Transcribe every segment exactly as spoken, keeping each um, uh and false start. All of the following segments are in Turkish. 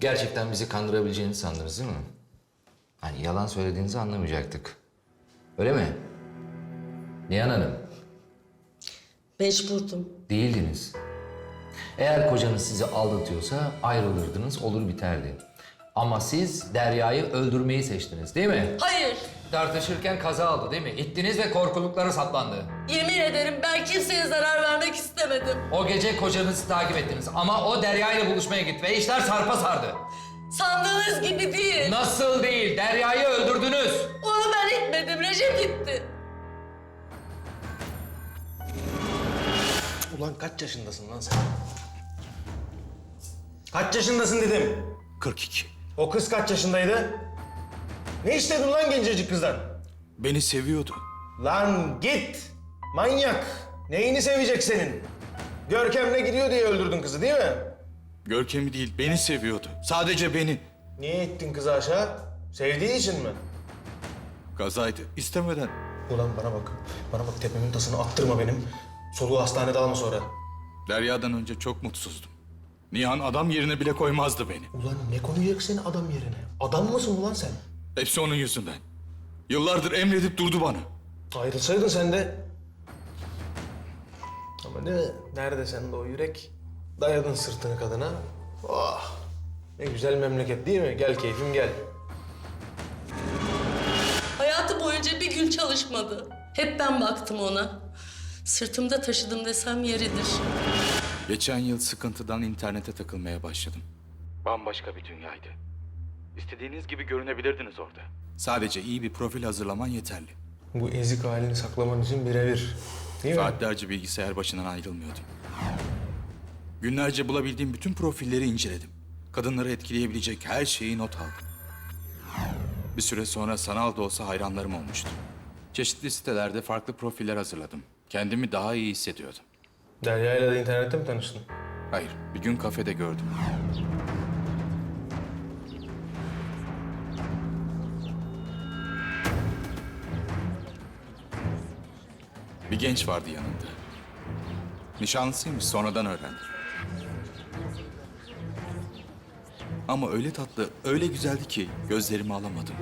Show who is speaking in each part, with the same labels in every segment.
Speaker 1: Gerçekten bizi kandırabileceğinizi sandınız değil mi? Hani yalan söylediğinizi anlamayacaktık. Öyle mi? Nihan Hanım,
Speaker 2: Mecburdum.
Speaker 1: değildiniz. Eğer kocanız sizi aldatıyorsa ayrılırdınız, olur biterdi. Ama siz Derya'yı öldürmeyi seçtiniz değil mi?
Speaker 2: Hayır.
Speaker 1: Tartışırken kaza oldu değil mi? İttiniz ve korkuluklara saplandı.
Speaker 2: Yemin ederim ben kimseye zarar vermek istemedim.
Speaker 1: O gece kocanızı takip ettiniz ama o Derya ile buluşmaya gitti ve işler sarpa sardı.
Speaker 2: Sandığınız gibi değil.
Speaker 1: Nasıl değil? Derya'yı öldürdünüz.
Speaker 2: Onu ben etmedim. Recep gitti.
Speaker 3: Ulan kaç yaşındasın lan sen? Kaç yaşındasın dedim.
Speaker 4: kırk iki.
Speaker 3: O kız kaç yaşındaydı? Ne istedin lan gencecik kızdan?
Speaker 4: Beni seviyordu.
Speaker 3: Lan git! Manyak! Neyini sevecek senin? Görkem'le gidiyor diye öldürdün kızı değil mi?
Speaker 4: Görkem'i değil, beni seviyordu. Sadece beni.
Speaker 3: Niye ittin kızı aşağı? Sevdiği için mi?
Speaker 4: Kazaydı, istemeden.
Speaker 3: Ulan bana bak. Bana bak tepemin tasını attırma benim. Soluğu hastanede alma sonra.
Speaker 4: Derya'dan önce çok mutsuzdum. Nihan adam yerine bile koymazdı beni.
Speaker 3: Ulan ne koyacak seni adam yerine? Adam mısın ulan sen?
Speaker 4: Hepsi onun yüzünden. Yıllardır emredip durdu bana.
Speaker 3: Ayrılsaydın sen de. Ama ne? Nerede sende o yürek? Dayadın sırtını kadına. Oh! Ne güzel memleket değil mi? Gel keyfim gel.
Speaker 2: Hayatı boyunca bir gün çalışmadı. Hep ben baktım ona. Sırtımda taşıdım desem yeridir.
Speaker 4: Geçen yıl sıkıntıdan internete takılmaya başladım. Bambaşka bir dünyaydı. İstediğiniz gibi görünebilirdiniz orada. Sadece iyi bir profil hazırlaman yeterli.
Speaker 3: Bu ezik halini saklaman için birebir. Değil mi?
Speaker 4: Saatlerce bilgisayar başından ayrılmıyordum. Günlerce bulabildiğim bütün profilleri inceledim. Kadınları etkileyebilecek her şeyi not aldım. Bir süre sonra sanal da olsa hayranlarım olmuştu. Çeşitli sitelerde farklı profiller hazırladım. Kendimi daha iyi hissediyordum.
Speaker 3: Derya ile de internette mi tanıştın?
Speaker 4: Hayır, bir gün kafede gördüm. Bir genç vardı yanında. Nişanlısıymış, sonradan öğrendim. Ama öyle tatlı, öyle güzeldi ki gözlerimi alamadım.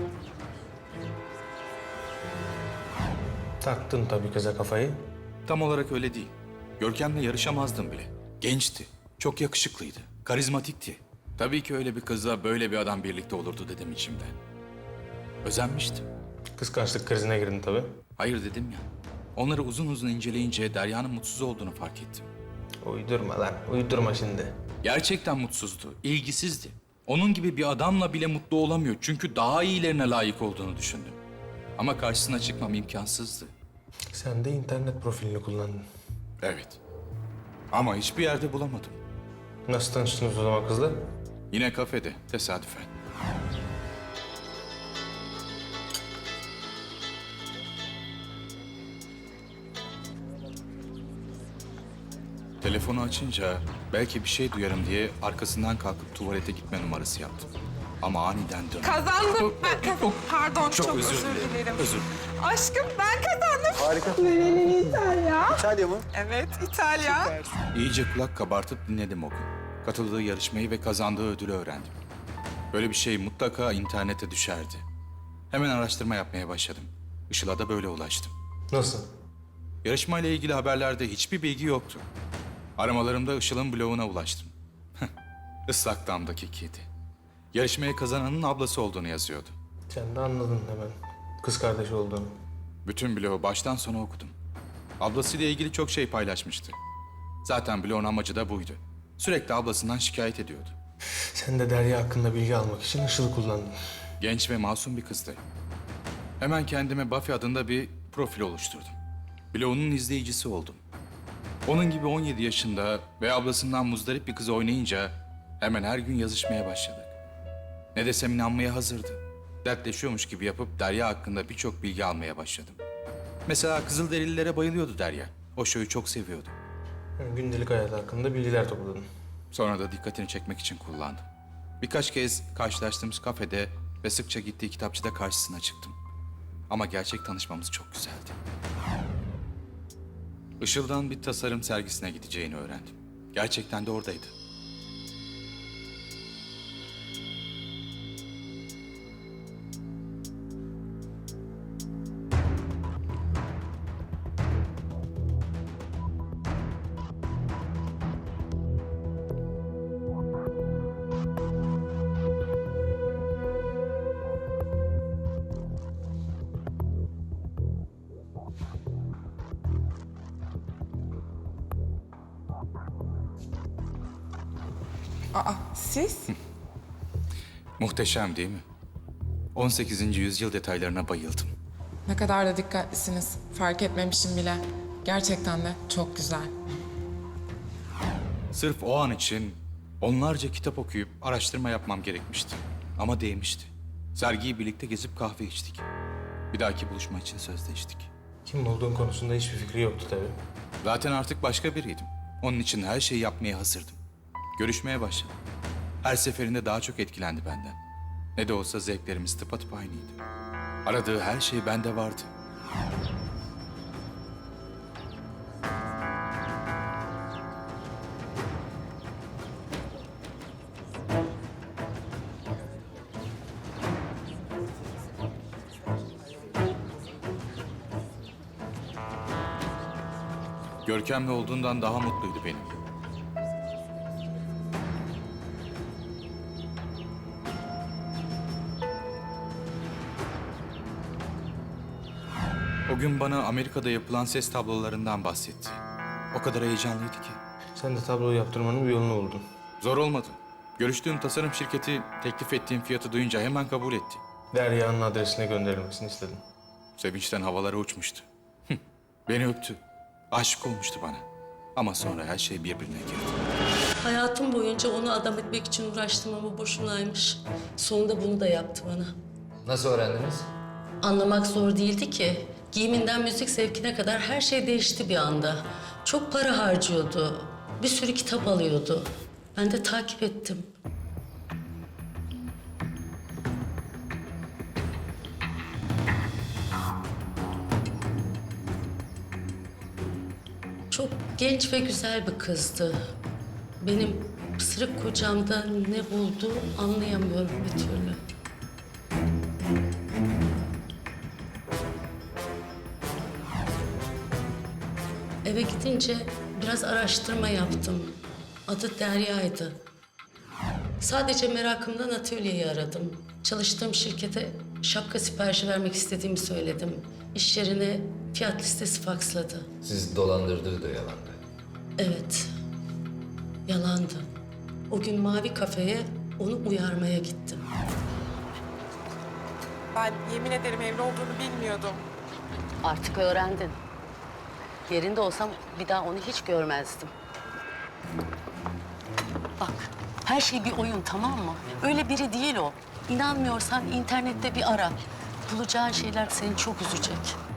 Speaker 3: Taktın tabii kıza kafayı.
Speaker 4: Tam olarak öyle değil. Görkem'le yarışamazdım bile. Gençti, çok yakışıklıydı, karizmatikti. Tabii ki öyle bir kızla böyle bir adam birlikte olurdu dedim içimden. Özenmiştim.
Speaker 3: Kıskançlık krizine girdin tabii.
Speaker 4: Hayır dedim ya. Onları uzun uzun inceleyince Derya'nın mutsuz olduğunu fark ettim.
Speaker 3: Uydurma lan, uydurma şimdi.
Speaker 4: Gerçekten mutsuzdu, ilgisizdi. Onun gibi bir adamla bile mutlu olamıyor çünkü daha iyilerine layık olduğunu düşündüm. Ama karşısına çıkmam imkansızdı.
Speaker 3: Sen de internet profilini kullandın.
Speaker 4: Evet. Ama hiçbir yerde bulamadım.
Speaker 3: Nasıl tanıştınız o zaman kızla?
Speaker 4: Yine kafede, tesadüfen. Telefonu açınca belki bir şey duyarım diye arkasından kalkıp tuvalete gitme numarası yaptım. Ama aniden döndüm.
Speaker 5: Kazandım ben. Kaz- Pardon, çok,
Speaker 4: Çok
Speaker 5: özür,
Speaker 4: özür dilerim.
Speaker 5: dilerim.
Speaker 4: Özür.
Speaker 5: Aşkım ben kazandım.
Speaker 3: Harika.
Speaker 5: Nereli İtalya?
Speaker 6: İtalya mı?
Speaker 5: Evet, İtalya.
Speaker 4: İyice kulak kabartıp dinledim o gün. Katıldığı yarışmayı ve kazandığı ödülü öğrendim. Böyle bir şey mutlaka internete düşerdi. Hemen araştırma yapmaya başladım. Işıl'a da böyle ulaştım.
Speaker 3: Nasıl?
Speaker 4: Yarışmayla ilgili haberlerde hiçbir bilgi yoktu. Aramalarımda Işıl'ın bloguna ulaştım. Islak Dam'daki kedi. Yarışmaya kazananın ablası olduğunu yazıyordu.
Speaker 3: Sen de anladın hemen. Kız kardeşi olduğunu.
Speaker 4: Bütün blogu baştan sona okudum. Ablasıyla ilgili çok şey paylaşmıştı. Zaten blogun amacı da buydu. Sürekli ablasından şikayet ediyordu.
Speaker 3: Sen de Derya hakkında bilgi almak için Işıl'ı kullandın.
Speaker 4: Genç ve masum bir kızdı. Hemen kendime Buffy adında bir profil oluşturdum. Blogunun izleyicisi oldum. Onun gibi on yedi yaşında ve ablasından muzdarip bir kız oynayınca hemen her gün yazışmaya başladık. Ne desem inanmaya hazırdı. Dertleşiyormuş gibi yapıp Derya hakkında birçok bilgi almaya başladım. Mesela Kızılderililere bayılıyordu Derya. O şoyu çok seviyordu.
Speaker 3: Yani gündelik hayat hakkında bilgiler topladın.
Speaker 4: Sonra da dikkatini çekmek için kullandım. Birkaç kez karşılaştığımız kafede ve sıkça gittiği kitapçıda karşısına çıktım. Ama gerçek tanışmamız çok güzeldi. Işıl'dan bir tasarım sergisine gideceğini öğrendim. Gerçekten de oradaydı.
Speaker 5: Aa, siz?
Speaker 4: Muhteşem değil mi? on sekizinci yüzyıl detaylarına bayıldım.
Speaker 5: Ne kadar da dikkatlisiniz. Fark etmemişim bile. Gerçekten de çok güzel.
Speaker 4: Sırf o an için onlarca kitap okuyup araştırma yapmam gerekmişti. Ama değmişti. Sergiyi birlikte gezip kahve içtik. Bir dahaki buluşma için sözleştik.
Speaker 3: Kim olduğun konusunda hiçbir fikri yoktu tabii.
Speaker 4: Zaten artık başka biriydim. Onun için her şeyi yapmaya hazırdım. Görüşmeye başladım. Her seferinde daha çok etkilendi benden. Ne de olsa zevklerimiz tıpatıp aynıydı. Aradığı her şey bende vardı. Görkemli olduğundan daha mutluydu benim. O gün bana Amerika'da yapılan ses tablolarından bahsetti. O kadar heyecanlıydı ki.
Speaker 3: Sen de tabloyu yaptırmanın bir yolunu buldun.
Speaker 4: Zor olmadı. Görüştüğüm tasarım şirketi teklif ettiğim fiyatı duyunca hemen kabul etti.
Speaker 3: Derya'nın adresine gönderilmesini istedim.
Speaker 4: Sevinçten havalara uçmuştu. Hıh, Beni öptü. Aşık olmuştu bana. Ama sonra her şey birbirine girdi.
Speaker 2: Hayatım boyunca onu adam etmek için uğraştım ama boşunaymış. Sonunda bunu da yaptı bana.
Speaker 1: Nasıl öğrendiniz?
Speaker 2: Anlamak zor değildi ki. Giyiminden müzik zevkine kadar her şey değişti bir anda. Çok para harcıyordu. Bir sürü kitap alıyordu. Ben de takip ettim. Çok genç ve güzel bir kızdı. Benim pısırık kocamda ne buldu anlayamıyorum bir türlü. Eve gidince biraz araştırma yaptım. Adı Derya'ydı. Sadece merakımdan atölyeyi aradım. Çalıştığım şirkete şapka siparişi vermek istediğimi söyledim. İş yerine fiyat listesi faksladı.
Speaker 1: Siz dolandırdığı da yalandı.
Speaker 2: Evet, yalandı. O gün Mavi Kafe'ye onu uyarmaya gittim.
Speaker 5: Ben yemin ederim evli olduğunu bilmiyordum.
Speaker 2: Artık öğrendin. Yerinde olsam bir daha onu hiç görmezdim. Bak, her şey bir oyun, tamam mı? Öyle biri değil o. İnanmıyorsan internette bir ara. Bulacağın şeyler seni çok üzecek.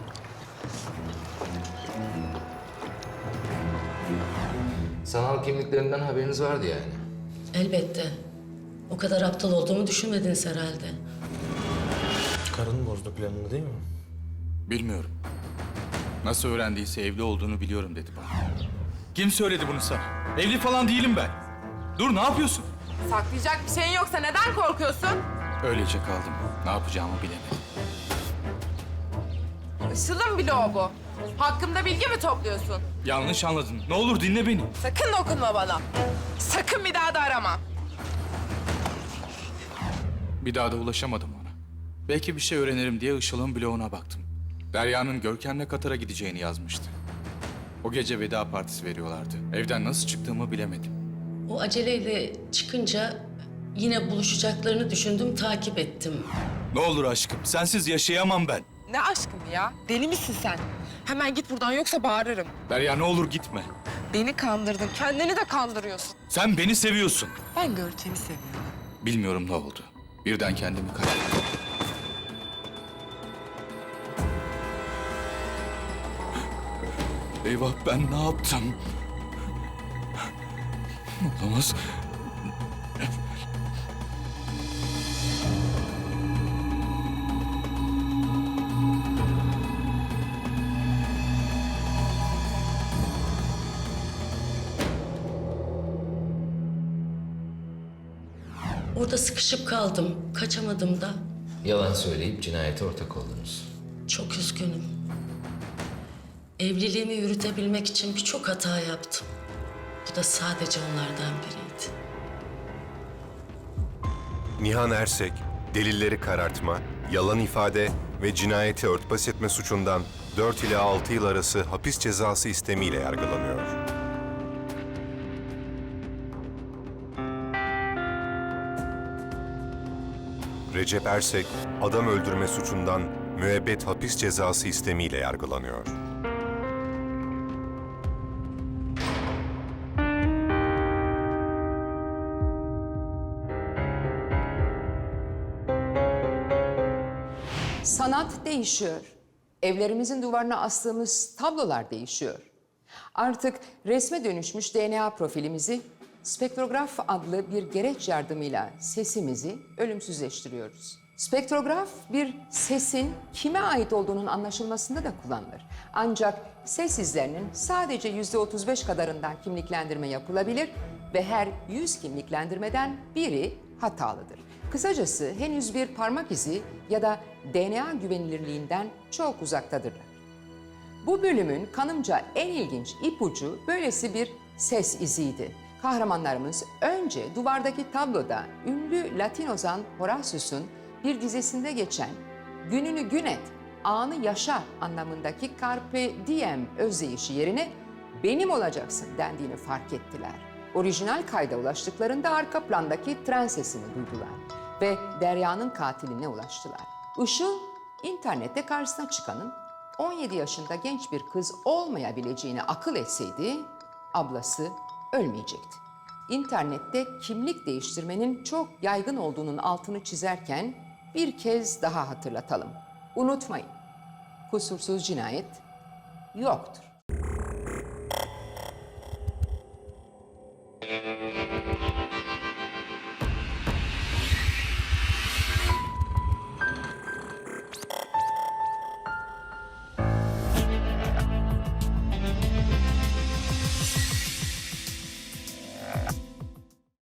Speaker 1: Sanal kimliklerinden haberiniz vardı yani.
Speaker 2: Elbette. O kadar aptal olduğumu düşünmediniz herhalde.
Speaker 3: Karın bozdu planını değil mi?
Speaker 4: Bilmiyorum. Nasıl öğrendiyse evli olduğunu biliyorum dedi bana. Kim söyledi bunu sana? Evli falan değilim ben. Dur, ne yapıyorsun?
Speaker 5: Saklayacak bir şeyin yoksa neden korkuyorsun?
Speaker 4: Öylece kaldım. Ne yapacağımı bilemedim.
Speaker 5: Işıl'ın bloğu bu. Hakkımda bilgi mi topluyorsun?
Speaker 4: Yanlış anladın. Ne olur dinle beni.
Speaker 5: Sakın dokunma bana. Sakın bir daha da arama.
Speaker 4: Bir daha da ulaşamadım ona. Belki bir şey öğrenirim diye Işıl'ın bloğuna baktım. Derya'nın Görkem'le Katar'a gideceğini yazmıştı. O gece veda partisi veriyorlardı. Evden nasıl çıktığımı bilemedim.
Speaker 2: O aceleyle çıkınca yine buluşacaklarını düşündüm, takip ettim.
Speaker 4: Ne olur aşkım, sensiz yaşayamam ben.
Speaker 5: Ne aşkım ya? Deli misin sen? Hemen git buradan yoksa bağırırım.
Speaker 4: Derya ne olur gitme.
Speaker 5: Beni kandırdın. Kendini de kandırıyorsun.
Speaker 4: Sen beni seviyorsun.
Speaker 5: Ben Görkem'i seviyorum.
Speaker 4: Bilmiyorum ne oldu. Birden kendimi kaybettim. Eyvah, ben ne yaptım? Olamaz.
Speaker 2: Orada sıkışıp kaldım, kaçamadım da.
Speaker 1: Yalan söyleyip cinayete ortak oldunuz.
Speaker 2: Çok üzgünüm. Evliliğimi yürütebilmek için birçok hata yaptım. Bu da sadece onlardan biriydi.
Speaker 6: Nihan Ersek, delilleri karartma, yalan ifade ve cinayeti örtbas etme suçundan dört ila altı yıl arası hapis cezası istemiyle yargılanıyor. Recep Ersek, adam öldürme suçundan müebbet hapis cezası istemiyle yargılanıyor.
Speaker 7: Sanat değişiyor. Evlerimizin duvarına astığımız tablolar değişiyor. Artık resme dönüşmüş D N A profilimizi spektrograf adlı bir gereç yardımıyla sesimizi ölümsüzleştiriyoruz. Spektrograf bir sesin kime ait olduğunun anlaşılmasında da kullanılır. Ancak ses izlerinin sadece yüzde otuz beş kadarından kimliklendirme yapılabilir ve her yüz kimliklendirmeden biri hatalıdır. Kısacası henüz bir parmak izi ya da D N A güvenilirliğinden çok uzaktadırlar. Bu bölümün kanımca en ilginç ipucu böylesi bir ses iziydi. Kahramanlarımız önce duvardaki tabloda ünlü Latin ozan Horatius'un bir dizesinde geçen "gününü gün et, anı yaşa" anlamındaki carpe diem özdeyişi yerine "benim olacaksın" dendiğini fark ettiler. Orijinal kayda ulaştıklarında arka plandaki tren sesini duydular ve Derya'nın katiline ulaştılar. Işıl, internette karşısına çıkanın on yedi yaşında genç bir kız olmayabileceğini akıl etseydi, ablası ölmeyecekti. İnternette kimlik değiştirmenin çok yaygın olduğunun altını çizerken bir kez daha hatırlatalım. Unutmayın, kusursuz cinayet yoktur.